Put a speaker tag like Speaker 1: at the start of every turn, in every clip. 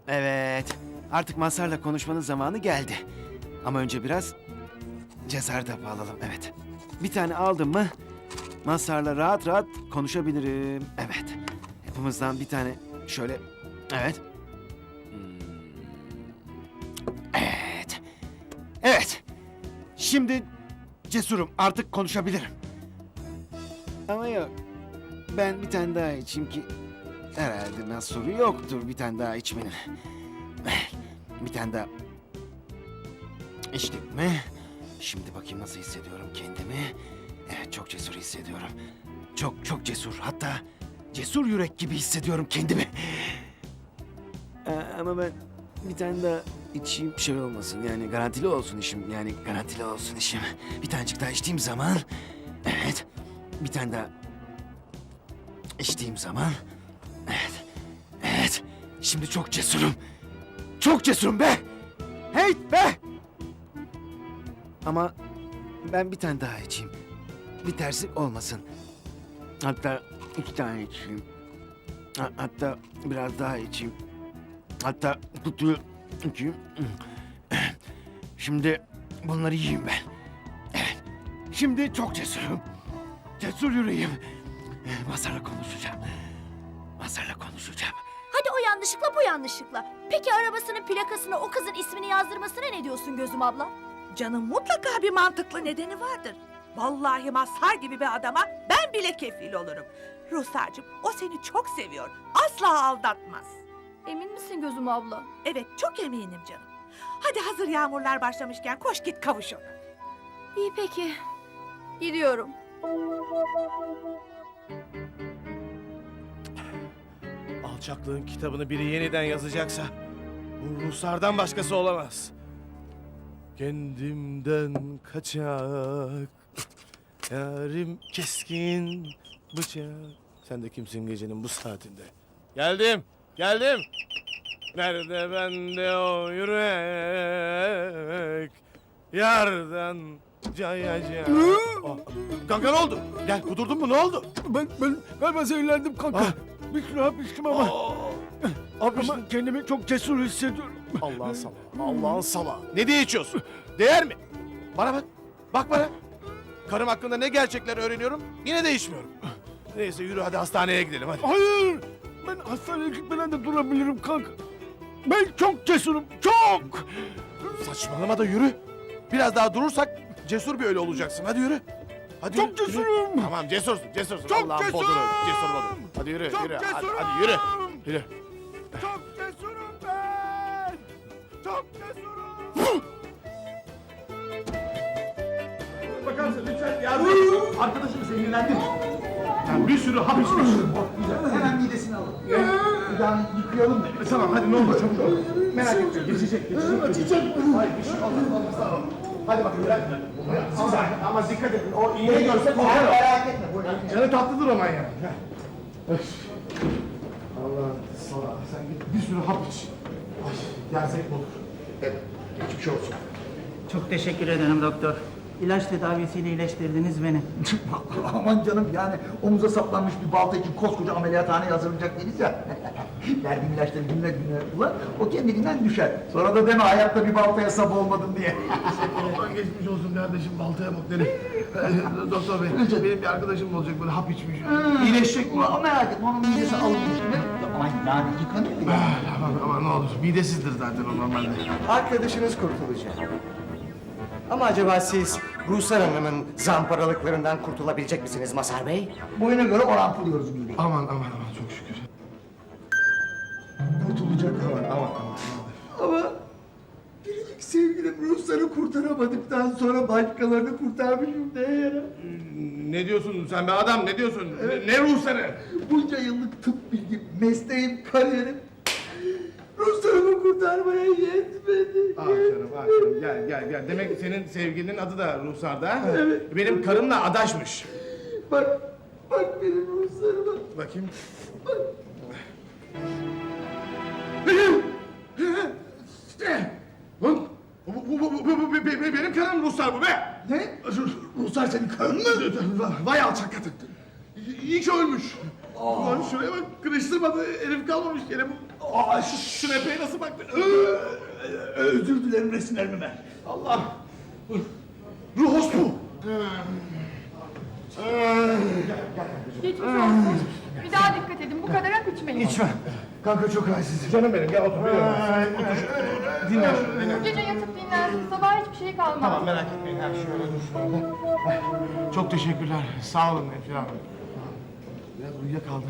Speaker 1: Evet. Artık Mazhar'la konuşmanın zamanı geldi. Ama önce biraz cesaret hapı alalım. Evet. Bir tane aldım mı Mazhar'la rahat rahat konuşabilirim. Evet. Hepimizden bir tane şöyle. Evet. Evet. Evet. Şimdi cesurum. Artık konuşabilirim. Ama yok. Ben bir tane daha içeyim ki herhalde mahsuru yoktur bir tane daha içmenin. Bir tane daha içtik mi? Şimdi bakayım nasıl hissediyorum kendimi. Evet, çok cesur hissediyorum. Çok cesur. Hatta cesur yürek gibi hissediyorum kendimi. Ama ben bir tane daha içeyim, şey olmasın yani garantili olsun işim. Yani garantili olsun işim. Bir tanecik daha içtiğim zaman... Evet, bir tane daha içtiğim zaman... Evet, evet. Şimdi çok cesurum. Çok cesurum be! Hey be! Ama ben bir tane daha içeyim. Bir tersi olmasın. Hatta 2 tane içeyim. Hatta biraz daha içeyim. Hatta kutuyu içeyim. Şimdi bunları yiyeyim ben. Evet. Şimdi çok cesurum. Cesur yüreğim. Mazhar'la konuşacağım. Mazhar'la konuşacağım.
Speaker 2: Hadi o yanlışlıkla bu yanlışlıkla. Peki arabasının plakasına o kızın ismini yazdırmasına ne diyorsun Gözüm abla?
Speaker 3: Canım mutlaka bir mantıklı nedeni vardır. Vallahi Mazhar gibi bir adama ben bile kefil olurum. Ruhsar'cığım o seni çok seviyor. Asla aldatmaz.
Speaker 2: Emin misin Gözüm abla?
Speaker 3: Evet çok eminim canım. Hadi hazır yağmurlar başlamışken koş git kavuş ona.
Speaker 2: İyi peki. Gidiyorum.
Speaker 4: Alçaklığın kitabını biri yeniden yazacaksa bu Ruslardan başkası olamaz. Kendimden kaçak, yarim keskin bıçak. Sen de kimsin gecenin bu saatinde? Geldim, geldim. Nerede bende o yürek? Yardan cayacak. Kanka ne oldu? Gel kudurdun mu ne oldu?
Speaker 1: Ben galiba zehirlendim kanka.
Speaker 4: Ah.
Speaker 1: Bir sürü hap içtim ama.
Speaker 4: Abi
Speaker 1: Ama kendimi çok cesur hissediyorum.
Speaker 4: Allah'ın salağı, Allah'ın salağı. Ne diye içiyorsun? Değer mi? Bana bak, bak bana. Karım hakkında ne gerçekler öğreniyorum, yine de içmiyorum. Neyse yürü hadi hastaneye gidelim hadi.
Speaker 1: Hayır. Ben hastaneye gitmeden de durabilirim kanka. Ben çok cesurum. Çok.
Speaker 4: Saçmalama da yürü. Biraz daha durursak cesur bir ölü olacaksın. Hadi yürü. Hadi
Speaker 1: Çok
Speaker 4: yürü, yürü.
Speaker 1: cesurum.
Speaker 4: Tamam cesursun, cesursun.
Speaker 1: Çok
Speaker 4: Allah'ın
Speaker 1: cesurum.
Speaker 4: boduru, cesur bodur. Hadi yürü,
Speaker 1: Çok
Speaker 4: yürü. Hadi,
Speaker 1: cesurum.
Speaker 4: hadi yürü. Yürü.
Speaker 1: Çok cesurum ben. Çok cesurum.
Speaker 5: Bakar mısın lütfen yardım et. Arkadaşım sinirlendi. Yani bir sürü hap içmiş. Hemen midesini alın. Yani yıkayalım. Tamam hadi ne olur çabuk ol. Merak etme geçecek. Açacak. Hayır bir şey olmaz. Tamam. Hadi bakın bırak. Ama dikkat edin. O iğneyi görsek o merak etme. Canı tatlıdır o manyak. Allah sana sen git bir sürü hap iç. Ay yersek olur. Evet. Geçmiş olsun.
Speaker 6: Çok teşekkür ederim doktor. İlaç tedavisiyle iyileştirdiniz beni.
Speaker 5: Aman canım yani omuza saplanmış bir balta için koskoca ameliyathaneye hazırlanacak değiliz ya. Verdiğim ilaçları günler günler ulan o kendiliğinden düşer. Sonra da deme hayatta bir baltaya sap olmadım diye.
Speaker 7: Aman geçmiş olsun kardeşim baltaya bak derim. Doktor bey benim bir arkadaşım olacak böyle hap içmiş.
Speaker 5: İyileşecek mi? Ama merak etme onun midesi alınmış. Aman yani yıkanıyor ya.
Speaker 7: Ama ne olur midesizdir zaten o normalde.
Speaker 8: Arkadaşınız kurtulacak. Ama acaba siz Ruhsar Hanım'ın zamparalıklarından kurtulabilecek misiniz Mazhar Bey?
Speaker 5: Boyuna göre oranpılıyoruz mideyi.
Speaker 7: Aman çok şükür. Kurtulacak aman.
Speaker 5: Ama biricik sevgilim Rusları kurtaramadıktan sonra başkalarını kurtarmışım ne yara?
Speaker 7: Ne diyorsun sen be adam ne diyorsun? Ne ruhsarı?
Speaker 5: Bunca yıllık tıp bilgim, mesleğim, kariyerim Ruslarımı kurtarmaya yetmedi.
Speaker 7: Ah canım gel. Demek senin sevgilinin adı da Ruhsar'da ha?
Speaker 5: Evet.
Speaker 7: Benim karımla adaşmış.
Speaker 5: Bak benim Ruslarıma.
Speaker 7: Bakayım. Lan, bu benim karım Ruhsar bu be!
Speaker 5: Ne? Ruslar senin karın mı?
Speaker 7: Vay alçak kadın! İyi ki ölmüş! Ulan şuraya bak, kırıştırmadı, herif kalmamış yere bu.
Speaker 5: Şu epeye nasıl baktı? Özür dilerim resimlerime. Allah. Ruhos bu.
Speaker 9: Geçmiş olsun. Bir daha dikkat edin. Bu kadar hap içmeyin.
Speaker 7: İçme. Kanka çok halsiz. Canım benim gel otur. Dinle şöyle dinle.
Speaker 9: Bu gece yatıp dinlensin. Sabah hiçbir şey kalmaz.
Speaker 7: Tamam merak etmeyin. Ha, şöyle dur şöyle. Ay, çok teşekkürler. Sağ olun Nefri abi. Biraz uyuyakaldı.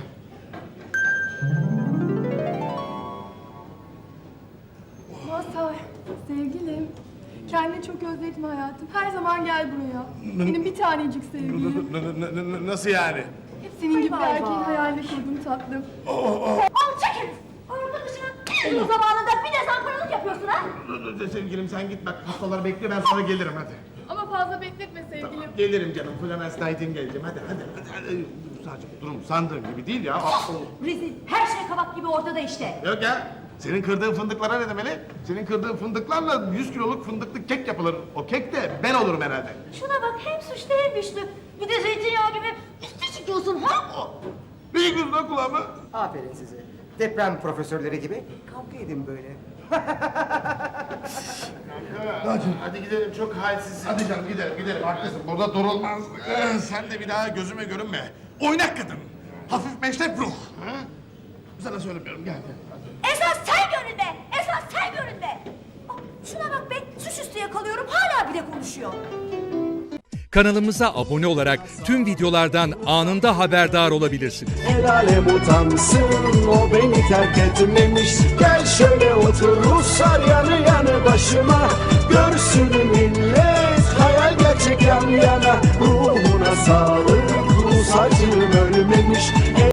Speaker 9: Mazhar, sevgilim. Kendini çok özledim hayatım. Her zaman gel buraya. Benim bir tanecik sevgilim.
Speaker 5: Nasıl yani?
Speaker 9: Hep senin gibi bir erkeğin hayalini kurdum tatlım.
Speaker 2: Alçak herif! Arkadaşının en uzun zamanında bir de zamparalık yapıyorsun ha?
Speaker 7: Sevgilim sen git bak hastalar bekliyor ben sonra gelirim hadi.
Speaker 9: Ama fazla bekletme sevgilim.
Speaker 7: Gelirim canım. Florence Nightingale'cim. Hadi. Sadece durum sandığın gibi değil ya.
Speaker 2: Rezil, her şey kabak gibi ortada işte.
Speaker 7: Yok ya. Senin kırdığın fındıklara ne demeli? Senin kırdığın fındıklarla 100 kiloluk fındıklı kek yapılır. O kek de ben olurum herhalde.
Speaker 2: Şuna bak, hem suçlu hem güçlü. Bir de zeytinyağı gibi üstü çıkıyorsun ha?
Speaker 7: Bir yıkıyorsun lan kulağımı.
Speaker 8: Aferin size. Deprem profesörleri gibi kavga edin böyle.
Speaker 7: Hadi gidelim çok halsizsin. Hadi canım gidelim haklısın. Burada durulmaz. Sen de bir daha gözüme görünme. Oynak kadın. Hafif meşrep ruh. Ha? Sana söylemiyorum gel.
Speaker 2: Esas sen görünme! Esas sen görünme! Aa, şuna bak be, suçüstü yakalıyorum, hala bile konuşuyor.
Speaker 10: Kanalımıza abone olarak tüm videolardan anında haberdar olabilirsiniz.
Speaker 11: El alem utansın, o beni terk etmemiş. Gel şöyle otur Ruslar yanı yanı başıma. Görsün millet hayal gerçek yan yana. Ruhuna sağlık, Rus acım ölmemiş.